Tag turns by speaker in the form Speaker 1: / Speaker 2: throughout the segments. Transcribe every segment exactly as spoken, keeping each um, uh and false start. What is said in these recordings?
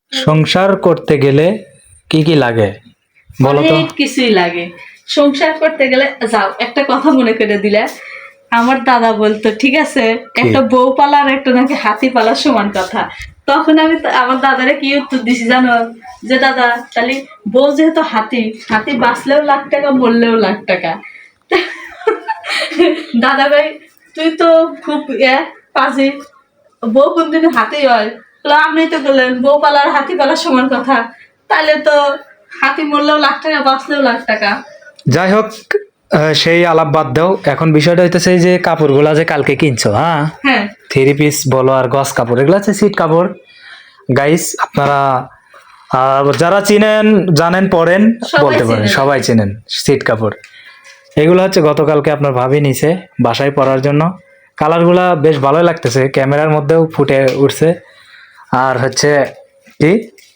Speaker 1: সংসার করতে গেলে কি কি লাগে বলো তো?
Speaker 2: অনেক কিছুই লাগে সংসার করতে গেলে। যাও একটা কথা মনে করে দিলে, আমার দাদা বলতো ঠিক আছে, একটা বউ পালা আর একটা নাকি হাতি পালার সমান কথা। তখন আমি তা- আমার দাদারে কি উত্তর দিছি জানো? যে দাদা তাহলে বউ যেহেতু হাতি, হাতি বাঁচলেও লাখ টাকা মরলেও লাখ টাকা। দাদা ভাই তুই তো খুব ইয়ে পাজি, বউ কোনদিন হাতি হয়? বললো, আপনি তো বললেন বউ পালার হাতি পালার সমান কথা, তাহলে তো হাতি মরলেও লাখ টাকা বাঁচলেও লাখ টাকা।
Speaker 1: যাই হোক, আহ, সেই আলাপ বাদ দাও। এখন বিষয়টা হইতেছে এই যে কাপড়গুলা যে কালকে কিনছো, হ্যাঁ,
Speaker 2: হ্যাঁ
Speaker 1: থ্রি পিস বলো আর গস কাপড়, এগুলো হচ্ছে সিট কাপড়। গাইস আপনারা আহ, যারা চিনেন জানেন পরেন
Speaker 2: সবাই
Speaker 1: বলতে পারেন,
Speaker 2: চেনে।
Speaker 1: সবাই চিনেন সিট কাপড়। এগুলো হচ্ছে গতকালকে আপনার ভাবি নিছে বাসায় পরার জন্য। কালারগুলা বেশ ভালোই লাগতেছে, ক্যামেরার মধ্যেও ফুটে উঠছে। আর হচ্ছে কি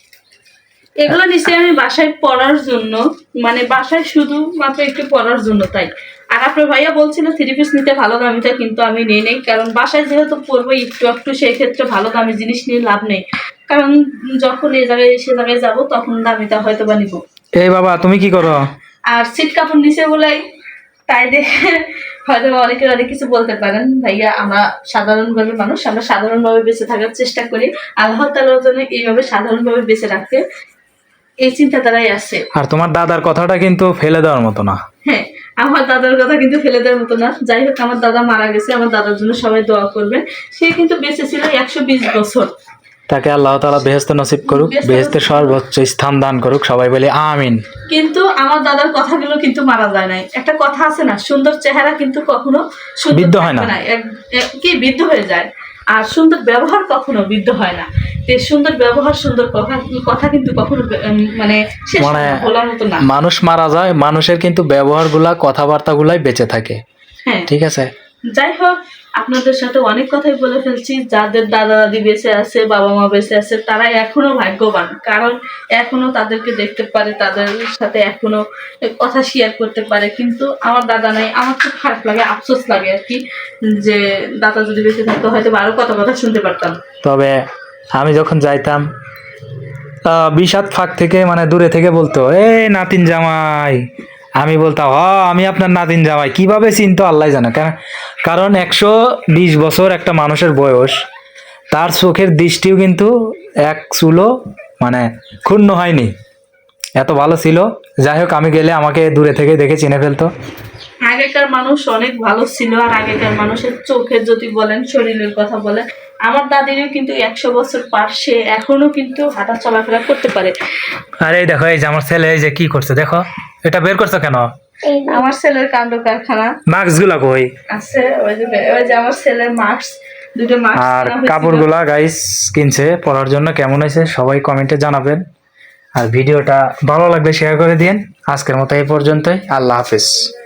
Speaker 2: এগুলো নিশ্চয়ই আমি বাসায় পড়ার জন্য, মানে বাসায় শুধু মাত্র একটু পড়ার জন্য তাই। আর আপনার ভাইয়া বলছিল থ্রি পিস নিতে ভালো দামিটা, কিন্তু আমি নিয়ে নেই, কারণ বাসায় যেহেতু পরবো একটু একটু, সেই ক্ষেত্রে ভালো দামি জিনিস নিয়ে লাভ নেই। কারণ যখন এ জায়গায় সে জায়গায় যাবো তখন দামিটা হয়তো বা নিবো।
Speaker 1: এই বাবা তুমি কি করো?
Speaker 2: আর সিট কাপড় নিচে বলাই, তাই দেখে হয়তো অনেকে অনেক কিছু বলতে পারেন। ভাইয়া আমরা সাধারণভাবে মানুষ, আমরা সাধারণভাবে বেঁচে থাকার চেষ্টা করি। আল্লাহ তাআলার জন্য এইভাবে সাধারণভাবে বেঁচে রাখতে, এই চিন্তাধারাই আছে।
Speaker 1: আর তোমার দাদার কথাটা কিন্তু ফেলে দেওয়ার মতো না।
Speaker 2: হ্যাঁ, আমার দাদার কথা কিন্তু ফেলে দেওয়ার মতো না। যাই হোক, আমার দাদা মারা গেছে, আমার দাদার জন্য সবাই দোয়া করবেন। সে কিন্তু বেঁচে ছিল একশো বিশ বছর।
Speaker 1: তাকে আল্লাহ তাআলা বেহেশত নসিব করুক,
Speaker 2: বেহেশত
Speaker 1: বেহেশতের সর্বোচ্চ স্থান দান করুক, সবাই বলে আমিন।
Speaker 2: কিন্তু আমার দাদার কথাগুলো কিন্তু মারা যায় নাই। একটা কথা আছে না, সুন্দর চেহারা কিন্তু কখনো সুন্দর
Speaker 1: বৃদ্ধ হয়
Speaker 2: থাকবে
Speaker 1: না।
Speaker 2: এক- এক- কি বৃদ্ধ হয়ে যায়। আর সুন্দর ব্যবহার কখনো বৃদ্ধ হয় না। তো এই সুন্দর ব্যবহার, সুন্দর কথা কথা কিন্তু কখনো উম, মানে শেষ হয়
Speaker 1: মানে
Speaker 2: না, বলার মতো না।
Speaker 1: মানুষ মারা যায়, মানুষের কিন্তু ব্যবহারগুলা কথাবার্তাগুলাই বেঁচে থাকে।
Speaker 2: হ্যাঁ,
Speaker 1: ঠিক আছে।
Speaker 2: যাই হোক, আপনাদের সাথে অনেক কথাই বলে ফেলছি। যাদের দাদা দাদি বেঁচে আছে, বাবা মা বেঁচে আছে, তারা এখনো ভাগ্যবান, কারণ এখনো তাদেরকে দেখতে পারে, তাদের সাথে এখনো কথা শেয়ার করতে পারে। কিন্তু আমার দাদা নাই, আমার খুব খারাপ লাগে, আফসোস লাগে আর কি, যে দাদা যদি বেঁচে থাকতো হয়তো আরো কত কথা শুনতে পারতাম।
Speaker 1: তবে আমি যখন যাইতাম আহ, বিষাদ ফাঁক থেকে মানে দূরে থেকে বলতো এ নাতিন জামাই, আমি বলতাম হ আমি আপনার নাতিন জামাই। কিভাবে চিনতো আল্লাহ জানে। কেন- কারণ একশো বিশ বছর একটা মানুষের বয়স, তার চোখের দৃষ্টিও কিন্তু এক চুলো মানে ক্ষুণ্ণ হয়নি, এত ভালো ছিল। যাই হোক, আমি গেলে আমাকে দূরে থেকে দেখে চিনে ফেলতো।
Speaker 2: আগেকার মানুষ অনেক ভালো ছিল। আর আগেকার মানুষের চোখের যদি বলেন, শরীরের কথা বলেন, আমার দাদিরও কিন্তু একশো বছর পার, সে এখনো কিন্তু হাঁটা চলাফেরা করতে পারে।
Speaker 1: আর এই দেখো, এই যে আমার ছেলে এই যে কি করছে দেখো, এটা বের করছো কেন?
Speaker 2: আমার ছেলের কাণ্ড কারখানা
Speaker 1: মাস্ক গুলা কই?
Speaker 2: আছে, ওই যে ওই যে আমার ছেলের মাস্ক, দুটো মাস্ক
Speaker 1: আর
Speaker 2: কেনা হয়েছিল।
Speaker 1: কাপড়গুলা গাইস কিনছে পরার জন্য, কেমন হয়েছে সবাই কমেন্টে জানাবেন। আর ভিডিওটা ভালো লাগলে শেয়ার করে দিন। আজকের মতো এই পর্যন্তই, আল্লাহ হাফেজ।